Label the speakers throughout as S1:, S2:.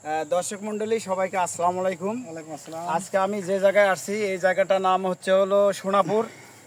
S1: দর্শক মন্ডলী সবাইকে আসসালামু আলাইকুম।
S2: ওয়ালাইকুম আসসালাম।
S1: আজকে আমি যে জায়গায় আসছি এই জায়গাটার নাম হচ্ছে হলো সোনাপুর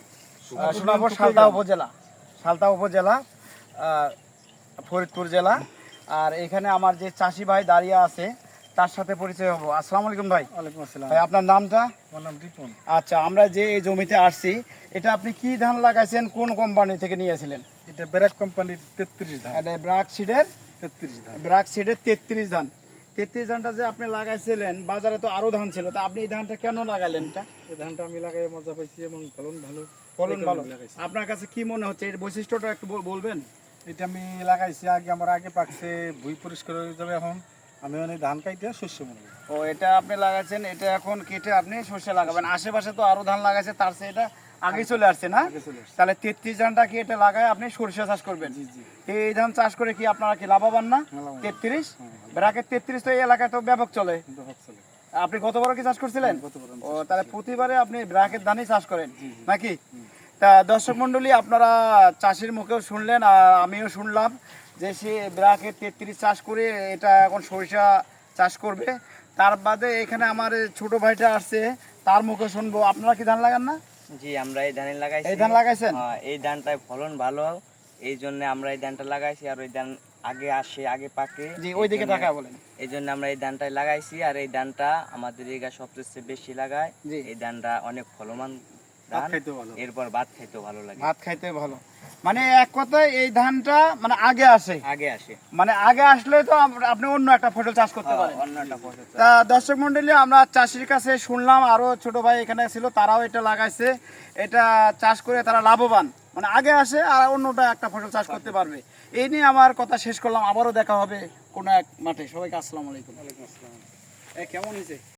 S1: সালতা উপজেলা ফরিদপুর জেলা। আর এখানে আমার যে চাষি ভাই দাঁড়িয়ে আছে তার সাথে পরিচয় হবো। আসসালামু আলাইকুম ভাই।
S2: ওয়ালাইকুম আসসালাম।
S1: ভাই আপনার নামটা?
S2: আমার নাম রিপন।
S1: আচ্ছা, আমরা যে এই জমিতে আসছি এটা আপনি কি ধান লাগাইছেন, কোন কোম্পানি থেকে নিয়েছিলেন?
S2: এটা ব্র্যাক কোম্পানির 33 ধান।
S1: এটা ব্রাক সিডের
S2: 33 ধান।
S1: 33 ধান। 33 ধানটা যে আপনি লাগাইছিলেন, বাজারে তো আরো ধান ছিল, তা আপনি এই ধানটা কেন লাগাইলেন?
S2: এই ধানটা আমি লাগাই মজা পাইছি এবং ফলন ভালো।
S1: ফলন ভালো।
S2: লাগাইছি।
S1: আপনার কাছে কি মনে হচ্ছে এর বৈশিষ্ট্যটা একটু বলবেন?
S2: এটা আমি লাগাইছি আমার আগে পাকছে, ভুই পরিষ্কার হয়ে যাবে। এখন আমি অনেক ধান কাইতে শস্য মনে করি।
S1: ও, এটা আপনি লাগাইছেন, এটা এখন কেটে আপনি সর্ষে লাগাবেন। আশেপাশে তো আরো ধান লাগাইছে, তার চেয়ে এটা আগে চলে আসছে না?
S2: আগে চলে আসছে।
S1: তাহলে 33 ধানটা কি এটা লাগায় আপনি সর্ষে চাষ করবেন?
S2: জি জি।
S1: এই ধান চাষ করে কি আপনারা কি লাভবান না?
S2: লাভবান।
S1: 33
S2: হ্যাঁ,
S1: ব্রাকেট 33 তো এই এলাকায় তো ব্যাপক চলে।
S2: কিন্তু হক চলে।
S1: আপনি গতবার কি চাষ করছিলেন?
S2: গতবার আমি
S1: ও,
S2: চাষ
S1: তাহলে প্রতিবারে আপনি ব্রাকের ধানই চাষ করেন
S2: জি, জি।
S1: নাকি? তা দর্শক মন্ডলী, আপনারা চাষির মুখেও শুনলেন আর আমিও শুনলাম যে সে ব্রাকের 33 চাষ করে এটা এখন সরিষা চাষ করবে। তার বাদে এখানে আমার ছোট ভাইটা আসছে, তার মুখে শুনবো। আপনারা কি ধান লাগান না?
S3: জি, আমরা এই ধান লাগাইছি।
S1: এই ধান লাগাইছেন?
S3: হ্যাঁ, এই ধানটায় ফলন ভালো, এই জন্য আমরা এই ধানটা লাগাইছি। আর ওই ধান আগে আসে, আগে পাকে।
S1: জি, ওই দিকে টাকা বলেন।
S3: এই জন্য আমরা এই ধানটাই লাগাইছি। আর এই ধানটা আমাদের এলাকা সবচেয়ে বেশি লাগায়।
S1: জি।
S3: এই ধানটা অনেক ফলমান
S2: ভাত
S3: ধান।
S2: খাইতে ভালো।
S3: এরপর ভাত খাইতেও ভালো লাগে।
S1: ভাত খাইতে ভালো, মানে এক কথায় এই ধানটা মানে আগে আসে।
S3: আগে আসে।
S1: মানে আগে আসলে তো আপনি অন্য একটা ফসল চাষ করতে
S3: হ্যাঁ,
S1: পারেন।
S3: অন্য একটা ফসল চাষ।
S1: তা দর্শক মন্ডলী, আমরা চাষির কাছে শুনলাম, আরো ছোট ভাই এখানে ছিল, তারাও এটা লাগাইছে। এটা চাষ করে তারা লাভবান, মানে আগে আসে আর অন্যটা একটা ফসল চাষ করতে পারবে। এই নিয়ে আমার কথা শেষ করলাম। আবারও দেখা হবে কোনো এক মাঠে। সবাইকে আসসালামু আলাইকুম।
S2: ওয়ালাইকুম আসসালাম।
S1: কেমন হয়েছে?